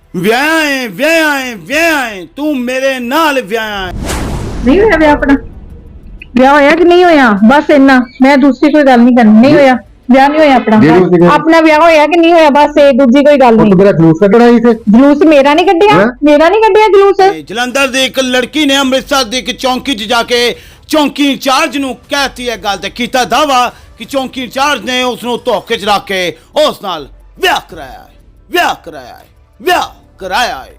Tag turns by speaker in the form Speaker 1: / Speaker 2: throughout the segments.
Speaker 1: ਵਿਆਹ ਤੂੰ ਮੇਰੇ ਨਾਲ ਵਿਆਹ
Speaker 2: ਨਹੀਂ ਹੋਇਆ ਵਿਆਹ ਆਪਣਾ। ਵਿਆਹ ਹੋਇਆ ਕਿ ਨਹੀਂ ਹੋਇਆ, ਬਸ ਇੰਨਾ। ਮੈਂ ਦੂਸਰੀ ਕੋਈ ਗੱਲ ਨਹੀਂ ਕਰਨੀ। ਨਹੀਂ ਹੋਇਆ ਵਿਆਹ, ਨਹੀਂ ਹੋਇਆ ਆਪਣਾ। ਆਪਣਾ ਵਿਆਹ ਹੋਇਆ ਕਿ ਨਹੀਂ ਹੋਇਆ, ਬਸ ਇਹ ਦੂਜੀ ਕੋਈ ਗੱਲ ਨਹੀਂ।
Speaker 3: ਮੇਰਾ ਜਲੂਸ ਕੱਢਣਾ ਸੀ।
Speaker 2: ਜਲੂਸ ਮੇਰਾ ਨਹੀਂ ਕੱਢਿਆ, ਮੇਰਾ ਨਹੀਂ ਕੱਢਿਆ ਜਲੂਸ।
Speaker 1: ਜਲੰਧਰ ਦੀ ਇੱਕ ਲੜਕੀ ਨੇ ਅੰਮ੍ਰਿਤਸਰ ਦੀ ਇੱਕ ਚੌਂਕੀ 'ਚ ਜਾ ਕੇ ਚੌਂਕੀ ਇੰਚਾਰਜ ਨੂੰ ਕਹਿਤੀ ਹੈ ਗੱਲ ਤੇ ਕੀਤਾ ਦਾਵਾ ਕਿ ਚੌਂਕੀ ਇੰਚਾਰਜ ਨੇ ਉਸ ਨੂੰ ਧੋਖੇ 'ਚ ਰੱਖ ਕੇ ਉਸ ਨਾਲ ਵਿਆਹ ਕਰਾਇਆ ਹੈ।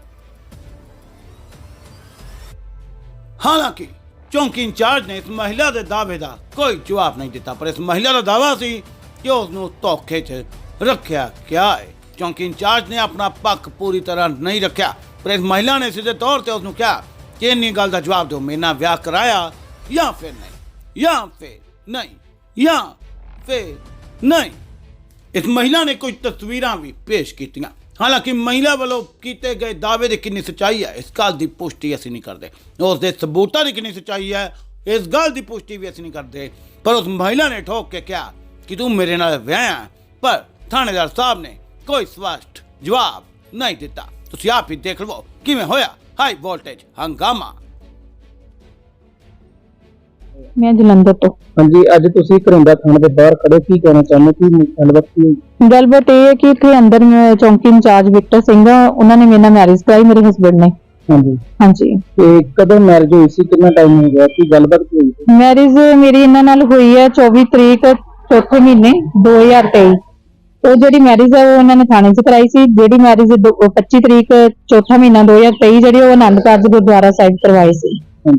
Speaker 1: ਹਾਲਾਂਕਿ ਚੌਂਕੀ ਇੰਚਾਰਜ ਨੇ ਇਸ ਮਹਿਲਾ ਦੇ ਦਾਅਵੇ ਦਾ ਕੋਈ ਜਵਾਬ ਨਹੀਂ ਦਿੱਤਾ, ਪਰ ਇਸ ਮਹਿਲਾ ਦਾ ਦਾਅਵਾ ਸੀ ਕਿ ਉਸ ਨੂੰ ਧੋਖੇ 'ਚ ਰੱਖਿਆ ਗਿਆ ਹੈ। ਚੌਂਕੀ ਇੰਚਾਰਜ ਨੇ ਆਪਣਾ ਪੱਖ ਪੂਰੀ ਤਰ੍ਹਾਂ ਨਹੀਂ ਰੱਖਿਆ, ਪਰ ਇਸ ਮਹਿਲਾ ਨੇ ਸਿੱਧੇ ਤੌਰ ਤੇ ਉਸ ਨੂੰ ਕਿਹਾ ਕਿ ਇੰਨੀ ਗੱਲ ਦਾ ਜਵਾਬ ਦਿਓ, ਮੇਰੇ ਨਾਲ ਵਿਆਹ ਕਰਾਇਆ ਜਾਂ ਫਿਰ ਨਹੀਂ। ਇਸ ਮਹਿਲਾ ਨੇ ਕੁਝ ਤਸਵੀਰਾਂ ਵੀ ਪੇਸ਼ ਕੀਤੀਆਂ। ਹਾਲਾਂਕਿ ਮਹਿਲਾ ਵੱਲੋਂ ਕੀਤੇ ਗਏ ਦਾਅਵੇ ਦੀ ਕਿੰਨੀ ਸੱਚਾਈ ਹੈ ਇਸ ਗੱਲ ਦੀ ਪੁਸ਼ਟੀ ਅਸੀਂ ਨਹੀਂ ਕਰਦੇ, ਉਸ ਦੇ ਸਬੂਤਾਂ ਦੀ ਕਿੰਨੀ ਸੱਚਾਈ ਹੈ ਇਸ ਗੱਲ ਦੀ ਪੁਸ਼ਟੀ ਵੀ ਅਸੀਂ ਨਹੀਂ ਕਰਦੇ, ਪਰ ਉਸ ਮਹਿਲਾ ਨੇ ਠੋਕ ਕੇ ਕਿਹਾ ਕਿ ਤੂੰ ਮੇਰੇ ਨਾਲ ਵਿਆਹਿਆ, ਪਰ ਥਾਣੇਦਾਰ ਸਾਹਿਬ ਨੇ ਕੋਈ ਸਪਸ਼ਟ ਜਵਾਬ ਨਹੀਂ ਦਿੱਤਾ। ਤੁਸੀਂ ਆਪ ਹੀ ਦੇਖ ਲਵੋ ਕਿਵੇਂ ਹੋਇਆ ਹਾਈ ਵੋਲਟੇਜ ਹੰਗਾਮਾ।
Speaker 2: ਮੈਂ ਜਲੰਧਰ ਤੋਂ।
Speaker 3: ਹਾਂਜੀ, ਅੱਜ ਤੁਸੀਂ ਘਰਿੰਦਾ ਥਾਣੇ ਦੇ ਬਾਹਰ ਖੜੇ, ਕੀ ਕਹਿਣਾ ਚਾਹੁੰਦੇ, ਕੀ ਗੱਲਬਾਤ ਕੀ?
Speaker 2: ਗੱਲਬਾਤ ਇਹ ਹੈ ਕਿ ਇੱਥੇ ਅੰਦਰ ਚੌਂਕੀ ਇੰਚਾਰਜ ਵਿਕਟਰ ਸਿੰਘ ਆ, ਉਹਨਾਂ ਨੇ ਮੇਰੇ ਨਾਲ ਮੈਰਿਜ ਕਰਾਈ, ਮੇਰੇ ਹਸਬੰਡ ਨੇ। ਹਾਂਜੀ।
Speaker 3: ਤੇ ਕਦੋਂ ਮੈਰਿਜ ਹੋਈ ਸੀ, ਕਿੰਨਾ ਟਾਈਮ ਹੋ ਗਿਆ, ਕੀ ਗੱਲਬਾਤ ਕੀ ਹੋਈ?
Speaker 2: ਮੈਰਿਜ ਮੇਰੀ ਇਹਨਾਂ ਨਾਲ ਹੋਈ ਹੈ 24 ਤਰੀਕ ਚੌਥੇ ਮਹੀਨੇ 2023। ਉਹ ਜਿਹੜੀ ਮੈਰਿਜ ਹੈ ਉਹ ਇਹਨਾਂ ਨੇ ਥਾਣੇ 'ਚ ਕਰਾਈ ਸੀ। ਜਿਹੜੀ ਮੈਰਿਜ 25 ਤਰੀਕ ਚੌਥਾ ਮਹੀਨਾ 2023 ਜਿਹੜੀ ਉਹ ਆਨੰਦ ਕਾਰਜ ਗੁਰਦੁਆਰਾ ਸਾਹਿਬ ਕਰਵਾਈ ਸੀ।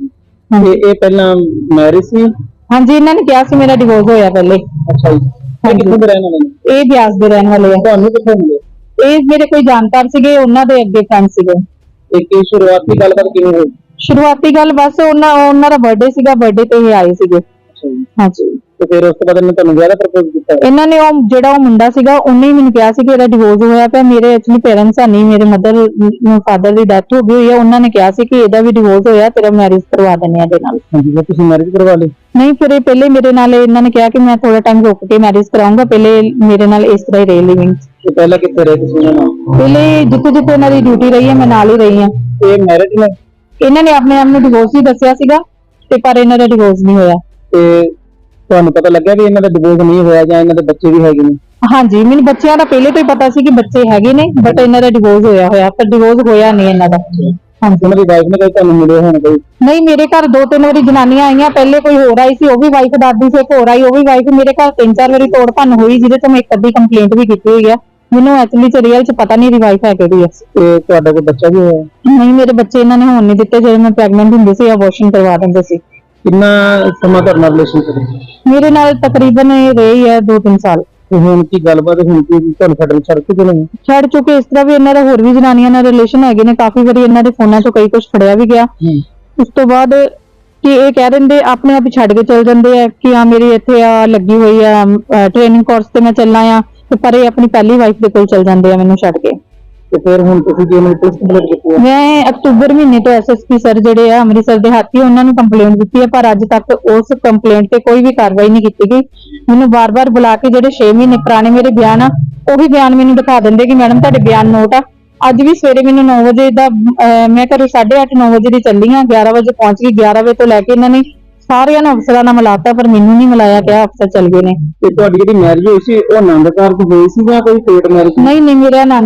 Speaker 3: ਤੇ ਇਹ ਪਹਿਲਾਂ ਮੈਰਿਜ ਸੀ?
Speaker 2: ਹਾਂਜੀ, ਇਹਨਾਂ ਨੇ ਕਿਹਾ ਸੀ ਮੇਰਾ ਡਿਵੋਰਸ ਹੋਇਆ ਪਹਿਲੇ।
Speaker 3: ਅੱਛਾ ਜੀ। ਕਿੱਥੋਂ ਦੇ ਰਹਿਣ ਵਾਲੇ ਨੇ?
Speaker 2: ਇਹ ਬਿਆਸ ਦੇ ਰਹਿਣ ਵਾਲੇ ਆ।
Speaker 3: ਤੁਹਾਨੂੰ ਕਿੱਥੋਂ ਮਿਲੇ?
Speaker 2: ਇਹ ਮੇਰੇ ਕੋਈ ਜਾਣਕਾਰ ਸੀਗੇ, ਉਹਨਾਂ ਦੇ ਅੱਗੇ ਫਰੈਂਡ ਸੀਗੇ।
Speaker 3: ਇਹ ਸ਼ੁਰੂਆਤੀ ਗੱਲਬਾਤ ਕਿਵੇਂ ਹੋਈ?
Speaker 2: ਸ਼ੁਰੂਆਤੀ ਗੱਲ ਬਸ ਉਹਨਾਂ ਦਾ ਬਰਥਡੇ ਸੀਗਾ, ਬਰਥਡੇ ਤੇ ਇਹ ਆਏ ਸੀਗੇ। ਹਾਂਜੀ।
Speaker 3: ਤੇ ਫਿਰ ਉਸ ਤੋਂ ਬਾਅਦ ਇਹਨਾਂ ਤੁਹਾਨੂੰ ਵਿਆਹ ਦਾ ਪ੍ਰਪੋਜ਼ ਕੀਤਾ?
Speaker 2: ਇਹਨਾਂ ਨੇ ਉਹ ਜਿਹੜਾ ਉਹ ਮੁੰਡਾ ਸੀਗਾ ਉਹਨੇ ਹੀ ਮੈਨੂੰ ਕਿਹਾ ਸੀ ਕਿ ਇਹਦਾ ਡਿਵੋਰਸ ਹੋਇਆ ਪਿਆ। ਮੇਰੇ ਐਕਚੁਅਲੀ ਪੇਰੈਂਟਸ ਆ ਨਹੀਂ, ਮੇਰੇ ਫਾਦਰ ਦੀ ਡੈਥ ਹੋ ਗਈ ਹੋਈ ਹੈ। ਉਹਨਾਂ ਨੇ ਕਿਹਾ ਸੀ ਕਿ ਇਹਦਾ ਵੀ ਡਿਵੋਰਸ ਹੋਇਆ, ਤੇਰਾ ਮੈਰਿਜ ਕਰਵਾ ਦਿੰਦੇ ਆ ਇਹਦੇ ਨਾਲ।
Speaker 3: ਹਾਂਜੀ, ਫਿਰ ਤੁਸੀਂ ਮੈਰਿਜ ਕਰਵਾ ਲਈ?
Speaker 2: ਨਹੀਂ, ਫਿਰ ਇਹ ਪਹਿਲੇ ਮੇਰੇ ਨਾਲ ਇਹਨਾਂ ਨੇ ਕਿਹਾ ਕਿ ਮੈਂ ਥੋੜਾ ਟਾਈਮ ਰੁਕ ਕੇ ਮੈਰਿਜ ਕਰਾਉਂਗਾ, ਪਹਿਲੇ ਮੇਰੇ ਨਾਲ ਇਸ ਤਰ੍ਹਾਂ ਹੀ ਰਹੇ ਲਿਵਿੰਗ।
Speaker 3: ਤੇ ਪਹਿਲਾਂ ਕਿੱਥੇ ਰਹੇ ਤੁਸੀਂ ਇਹਨਾਂ ਨਾਲ?
Speaker 2: ਪਹਿਲੇ ਜਿੱਥੇ ਇਹਨਾਂ ਦੀ ਡਿਊਟੀ ਰਹੀ ਹੈ ਮੈਂ ਨਾਲ ਹੀ ਰਹੀ ਹਾਂ।
Speaker 3: ਤੇ ਮੈਰਿਜ ਨੇ
Speaker 2: ਇਹਨਾਂ ਨੇ ਆਪਣੇ ਆਪ ਨੂੰ ਡਿਵੋਰਸ ਹੀ ਦੱਸਿਆ ਸੀਗਾ, ਤੇ ਪਰ ਇਹਨਾਂ ਦਾ ਡਿਵੋਰਸ ਨਹੀਂ ਹੋਇਆ।
Speaker 3: ਤੇ ਤੁਹਾਨੂੰ ਪਤਾ ਲੱਗਿਆ ਵੀ ਇਹਨਾਂ ਦਾ ਡਿਵੋਰਸ ਨਹੀਂ ਹੋਇਆ ਜਾਂ ਇਹਨਾਂ ਦੇ ਬੱਚੇ ਵੀ ਹੈਗੇ ਨੇ?
Speaker 2: ਹਾਂਜੀ, ਮੈਨੂੰ ਬੱਚਿਆਂ ਦਾ ਪਹਿਲੇ ਤੋਂ ਹੀ ਪਤਾ ਸੀ ਕਿ ਬੱਚੇ ਹੈਗੇ ਨੇ, ਬਟ ਇਹਨਾਂ ਦਾ ਡਿਵੋਰਸ ਹੋਇਆ ਪਰ ਡਿਵੋਰਸ ਹੋਇਆ ਨਹੀਂ ਇਹਨਾਂ ਦਾ। ਹਾਂਜੀ।
Speaker 3: ਉਹਨਾਂ ਦੀ ਵਾਈਫ ਨੇ ਕੋਈ ਤੁਹਾਨੂੰ ਮਿਲਿਆ ਹੋਣਾ ਕੋਈ?
Speaker 2: ਨਹੀਂ, ਮੇਰੇ ਘਰ 2-3 ਵਾਰੀ ਜਨਾਨੀਆਂ ਆਈਆਂ, ਪਹਿਲੇ ਕੋਈ ਹੋਰ ਆਈ ਸੀ, ਉਹ ਵੀ ਵਾਈਫ ਦਾਦੀ ਸੀ, ਇੱਕ ਹੋਰ ਆਈ, ਉਹ ਵੀ ਵਾਈਫ। ਮੇਰੇ ਘਰ 3-4 ਵਾਰੀ ਤੋੜ ਭੰਨ ਹੋਈ, ਜਿਹਦੇ ਤੋਂ ਮੈਂ ਇੱਕ ਅੱਧੀ ਕੰਪਲੇਂਟ ਵੀ ਕੀਤੀ ਹੋਈ ਆ। ਮੈਨੂੰ ਐਕਚੁਅਲੀ ਚ ਰੀਅਲ ਚ ਪਤਾ ਨਹੀਂ ਦੀ ਵਾਈਫ ਹੈ ਕਿਹੜੀ ਹੈ।
Speaker 3: ਤੇ ਤੁਹਾਡਾ ਕੋਈ ਬੱਚਾ ਵੀ ਹੋਇਆ?
Speaker 2: ਨਹੀਂ, ਮੇਰੇ ਬੱਚੇ ਇਹਨਾਂ ਨੇ ਹੋਣ ਨਹੀਂ ਦਿੱਤੇ। ਜਦੋਂ ਮੈਂ ਪ੍ਰੈਗਨੈਂਟ ਹੁੰਦੀ ਸੀ ਅਬੋਰਸ਼ਨ ਕਰਵਾ ਦਿੰਦੇ ਸੀ।
Speaker 3: ਕਿੰਨਾ ਸਮਾਂ ਤੁਹਾਡੇ ਨਾਲ ਰਿਲੇਸ਼ਨ ਕਰੀ?
Speaker 2: ਮੇਰੇ ਨਾਲ ਤਕਰੀਬਨ ਇਹ ਰਹੀ ਹੈ 2-3 ਸਾਲ।
Speaker 3: ਤੇ ਹੁਣ ਕੀ ਗੱਲਬਾਤ ਹੁਣ ਕੀ ਤੁਹਾਨੂੰ ਛੱਡ ਕੇ ਚਲੇ ਗਏ?
Speaker 2: ਛੱਡ ਚੁੱਕੇ। ਇਸ ਤਰ੍ਹਾਂ ਵੀ ਇਹਨਾਂ ਦਾ ਹੋਰ ਵੀ ਜਨਾਨੀਆਂ ਨਾਲ ਰਿਲੇਸ਼ਨ ਹੈਗੇ ਨੇ, ਕਾਫੀ ਵਾਰੀ ਇਹਨਾਂ ਦੇ ਫੋਨਾਂ ਚੋਂ ਕਈ ਕੁਝ ਫੜਿਆ ਵੀ ਗਿਆ। ਉਸ ਤੋਂ ਬਾਅਦ ਕਿ ਇਹ ਕਹਿ ਦਿੰਦੇ ਆਪਣੇ ਆਪ ਹੀ ਛੱਡ ਕੇ ਚਲ ਜਾਂਦੇ ਆ ਕਿ ਆ ਮੇਰੀ ਇੱਥੇ ਆ ਲੱਗੀ ਹੋਈ ਆ ਟ੍ਰੇਨਿੰਗ ਕੋਰਸ ਤੇ ਮੈਂ ਚੱਲਣਾ ਆ, ਤੇ ਪਰ ਇਹ ਆਪਣੀ ਪਹਿਲੀ ਵਾਈਫ ਦੇ ਕੋਲ ਚਲ ਜਾਂਦੇ ਆ ਮੈਨੂੰ ਛੱਡ ਕੇ।
Speaker 3: ਤੇ ਫਿਰ ਹੁਣ ਤੁਸੀਂ ਕੀ ਮੈਨੂੰ ਪੁਲਿਸ ਕੰਪਲੇਂਟ ਕੀਤੀ ਹੈ?
Speaker 2: ਮੈਂ ਅਕਤੂਬਰ ਮਹੀਨੇ ਤੋਂ ਐਸਐਸਪੀ ਸਰ ਜਿਹੜੇ ਆ ਅੰਮ੍ਰਿਤਸਰ ਦੇ ਹਾਥੀ, ਉਹਨਾਂ ਨੂੰ ਕੰਪਲੇਂਟ ਦਿੱਤੀ ਹੈ, ਪਰ ਅੱਜ ਤੱਕ ਉਸ ਕੰਪਲੇਂਟ ਤੇ ਕੋਈ ਵੀ ਕਾਰਵਾਈ ਨਹੀਂ ਕੀਤੀ ਗਈ। ਮੈਨੂੰ ਬਾਰ-ਬਾਰ ਬੁਲਾ ਕੇ ਜਿਹੜੇ 6 ਮਹੀਨੇ ਪੁਰਾਣੇ ਮੇਰੇ ਬਿਆਨ ਆ ਉਹੀ ਬਿਆਨ ਮੈਨੂੰ ਦਿਖਾ ਦਿੰਦੇ ਕਿ ਮੈਡਮ ਤੁਹਾਡੇ ਬਿਆਨ ਨੋਟ ਆ। ਅੱਜ ਵੀ ਸਵੇਰੇ ਮੈਨੂੰ 9 ਵਜੇ ਦਾ ਮੈਂ ਘਰੋਂ 8:30-9 ਵਜੇ ਦੀ ਚੱਲੀ ਆ, 11 ਵਜੇ ਪਹੁੰਚ ਗਈ। 11 ਵਜੇ ਤੋਂ ਲੈ ਕੇ ਇਹਨਾਂ ਨੇ ਸਾਰਿਆਂ ਨੂੰ ਅਫਸਰਾਂ ਨਾਲ ਮਿਲਾਤਾ, ਪਰ ਮੈਨੂੰ ਨਹੀਂ ਮਿਲਾਇਆ ਗਿਆ। ਅਫਸਰ ਚਲ ਗਏ ਨੇ।
Speaker 3: ਤੇ ਤੁਹਾਡੀ ਜਿਹੜੀ ਮੈਰਿਜ ਹੋਈ ਸੀ ਉਹ ਆਨੰਦ ਕਾਰਜ ਹੋਈ ਸੀ ਜਾਂ ਕੋਈ ਕੋਰਟ ਮੈਰਿਜ?
Speaker 2: ਨਹੀਂ, ਮੇਰੇ ਆਨੰਦ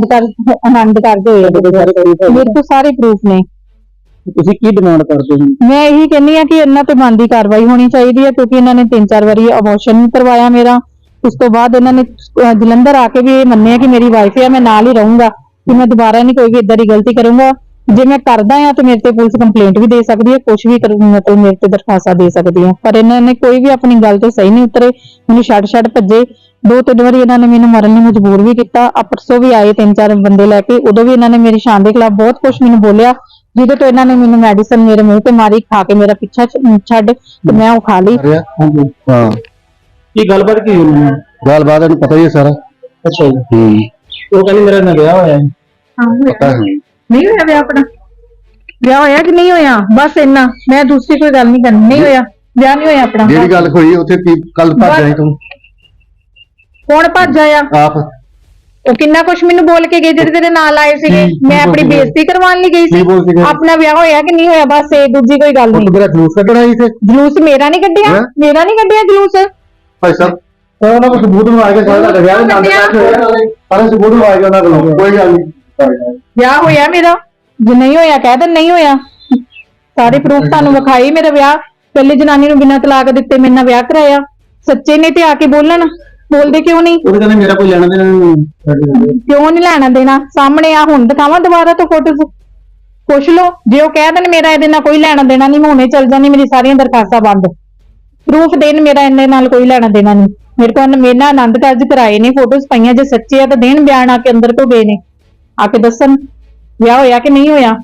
Speaker 2: ਕਾਰਜ ਹੋਏ। ਮੇਰੇ ਕੋਲ ਸਾਰੇ ਪ੍ਰੂਫ ਨੇ।
Speaker 3: ਤੁਸੀਂ ਕੀ ਡਿਮਾਂਡ ਕਰਦੇ ਹੋ?
Speaker 2: ਮੈਂ ਇਹੀ ਕਹਿੰਦੀ ਆ ਕਿ ਇਹਨਾਂ ਤੇ ਬਣਦੀ ਕਾਰਵਾਈ ਹੋਣੀ ਚਾਹੀਦੀ ਹੈ, ਕਿਉਂਕਿ ਇਹਨਾਂ ਨੇ 3-4 ਵਾਰੀ ਅਬੋਰਸ਼ਨ ਕਰਵਾਇਆ ਮੇਰਾ। ਉਸ ਤੋਂ ਬਾਅਦ ਇਹਨਾਂ ਨੇ ਜਲੰਧਰ ਆ ਕੇ ਵੀ ਇਹ ਮੰਨਿਆ ਕਿ ਮੇਰੀ ਵਾਈਫ ਹੈ, ਮੈਂ ਨਾਲ ਹੀ ਰਹੂੰਗਾ, ਕਿ ਮੈਂ ਦੁਬਾਰਾ ਨਹੀਂ ਕੋਈ ਵੀ ਇਦਾਂ ਦੀ ਗਲਤੀ ਕਰੂੰਗਾ। ਜੇ ਮੈਂ ਕਰਦਾ ਆ ਤੇ ਮੇਰੇ ਤੇ ਪੁਲਿਸ ਕੰਪਲੇਂਟ ਵੀ ਦੇ ਸਕਦੀ ਹੈ, ਕੁਝ ਵੀ ਮਤਲਬ ਮੇਰੇ ਤੇ ਦਰਖਾਸਤਾਂ ਦੇ ਸਕਦੀ ਹੈ, ਪਰ ਇਹਨਾਂ ਨੇ ਕੋਈ ਵੀ ਆਪਣੀ ਗੱਲ ਤੋਂ ਸਹੀ ਨਹੀਂ ਉਤਰੇ। ਮੈਨੂੰ ਛੱਡ ਭੱਜੇ। 2-3 ਵਾਰੀ ਇਹਨਾਂ ਨੇ ਮੈਨੂੰ ਮਰਨ ਲਈ ਮਜਬੂਰ ਵੀ ਕੀਤਾ। ਪਰਸੋਂ ਵੀ ਆਏ 3-4 ਬੰਦੇ ਲੈ ਕੇ, ਉਦੋਂ ਵੀ ਇਹਨਾਂ ਨੇ ਮੇਰੀ ਸ਼ਾਨ ਦੇ ਖਿਲਾਫ ਬਹੁਤ ਕੁਝ ਮੈਨੂੰ ਬੋਲਿਆ, ਜਿਹਦੇ ਤੋਂ ਇਹਨਾਂ ਨੇ ਮੈਨੂੰ ਮੈਡੀਸਨ ਮੇਰੇ ਮੂੰਹ ਤੇ ਮਾਰੀ, ਖਾ ਕੇ ਮੇਰਾ ਪਿੱਛਾ ਛੱਡ ਤੇ ਮੈਂ ਉਹ ਖਾ ਲਈ।
Speaker 3: ਹਾਂ, ਕੀ ਗੱਲਬਾਤ ਕੀ ਹੋਈ? ਗੱਲਬਾਤ ਨੂੰ ਪਤਾ ਹੀ ਹੈ ਸਾਰਾ। ਅੱਛਾ ਜੀ। ਉਹ ਕਹਿੰਦੀ ਮੇਰਾ ਨਾ ਵਿਆਹ ਹੋਇਆ ਹੈ।
Speaker 2: ਪਤਾ ਨਹੀਂ ਹੋਇਆ ਵਿਆਹ ਆਪਣਾ। ਵਿਆਹ ਹੋਇਆ ਕਿ ਨਹੀਂ ਹੋਇਆ, ਬਸ ਇੰਨਾ। ਮੈਂ ਦੂਸਰੀ ਕੋਈ ਗੱਲ ਨਹੀਂ ਕਰਨੀ। ਨਹੀਂ ਹੋਇਆ ਵਿਆਹ, ਨਹੀਂ ਹੋਇਆ ਆਪਣਾ।
Speaker 3: ਜਿਹੜੀ ਗੱਲ ਹੋਈ ਉੱਥੇ ਕੱਲ ਭੱਜ ਆਈ ਤੂੰ?
Speaker 2: ਕੌਣ ਭੱਜ ਆਇਆ?
Speaker 3: ਆਪ।
Speaker 2: ਉਹ ਕਿੰਨਾ ਕੁਛ ਮੈਨੂੰ ਬੋਲ ਕੇ ਗਏ ਜਿਹੜੇ ਤੇਰੇ ਨਾਲ ਆਏ ਸੀਗੇ। ਮੈਂ ਆਪਣੀ ਬੇਇੱਜ਼ਤੀ ਕਰਵਾਉਣ ਲਈ ਗਈ ਸੀ। ਆਪਣਾ ਵਿਆਹ ਹੋਇਆ ਕਿ ਨਹੀਂ ਹੋਇਆ, ਬਸ ਇਹ ਦੂਜੀ ਕੋਈ ਗੱਲ ਨਹੀਂ।
Speaker 3: ਮੇਰਾ ਜਲੂਸ ਕੱਢਣਾ ਸੀ ਤੇ
Speaker 2: ਜਲੂਸ ਮੇਰਾ ਨਹੀਂ ਕੱਢਿਆ, ਮੇਰਾ ਨਹੀਂ ਕੱਢਿਆ ਜਲੂਸ।
Speaker 3: ਭਾਈ ਸਾਹਿਬ ਉਹਨਾਂ ਕੋਲ ਸਬੂਤ ਨੂੰ ਆ ਕੇ ਸਾਡਾ ਵਿਆਹ ਦੇ ਨਾਲ ਸਾਰੇ ਸਬੂਤ ਨੂੰ ਆ ਕੇ ਉਹਨਾਂ ਕੋਲ ਕੋਈ ਗੱਲ ਨਹੀਂ।
Speaker 2: ਵਿਆਹ ਹੋਇਆ ਮੇਰਾ, ਜੇ ਨਹੀਂ ਹੋਇਆ ਕਹਿ ਦੇ ਨਹੀਂ ਹੋਇਆ। ਸਾਰੇ ਪ੍ਰੂਫ ਤੁਹਾਨੂੰ ਵਿਖਾਈ। ਮੇਰਾ ਵਿਆਹ ਪਹਿਲੀ ਜਨਾਨੀ ਨੂੰ ਬਿਨਾਂ ਤਲਾਕ ਦਿੱਤੇ ਮੇਰੇ ਨਾਲ ਵਿਆਹ ਕਰਾਇਆ। ਸੱਚੇ ਨੇ ਤੇ ਆ ਕੇ ਬੋਲਣ, ਬੋਲਦੇ ਕਿਉਂ ਨਹੀਂ?
Speaker 3: ਉਹਦੇ ਕਹਿੰਦੇ ਮੇਰਾ ਕੋਈ ਲੈਣਾ ਦੇਣਾ ਨਹੀਂ।
Speaker 2: ਕਿਉਂ ਨਹੀਂ ਲੈਣਾ ਦੇਣਾ? ਸਾਹਮਣੇ ਆ ਹੁਣ ਦਿਖਾਵਾਂ ਦੁਬਾਰਾ ਤੋਂ ਫੋਟੋਜ਼, ਪੁੱਛ ਲਓ। ਜੇ ਉਹ ਕਹਿ ਦੇਣ ਮੇਰਾ ਇਹਦੇ ਨਾਲ ਕੋਈ ਲੈਣਾ ਦੇਣਾ ਨਹੀਂ, ਮੈਂ ਹੁਣੇ ਚੱਲ ਜਾਣੀ, ਮੇਰੀ ਸਾਰੀਆਂ ਦਰਖਾਸਤਾਂ ਬੰਦ। ਪ੍ਰੂਫ ਦੇਣ ਮੇਰਾ ਇਹਦੇ ਨਾਲ ਕੋਈ ਲੈਣਾ ਦੇਣਾ ਨਹੀਂ। ਮੇਰੇ ਕੋਲ ਮੇਰੇ ਨਾਲ ਆਨੰਦ ਕਾਰਜ ਕਰਾਏ ਨੇ, ਫੋਟੋਜ਼ ਪਈਆਂ। ਜੇ ਸੱਚੇ ਆ ਤਾਂ ਦੇਣ ਬਿਆਨ, ਆ ਕੇ ਅੰਦਰ ਤੋਂ ਗਏ ਨੇ, ਆ ਕੇ ਦੱਸਣ ਵਿਆਹ ਹੋਇਆ ਕਿ ਨਹੀਂ ਹੋਇਆ।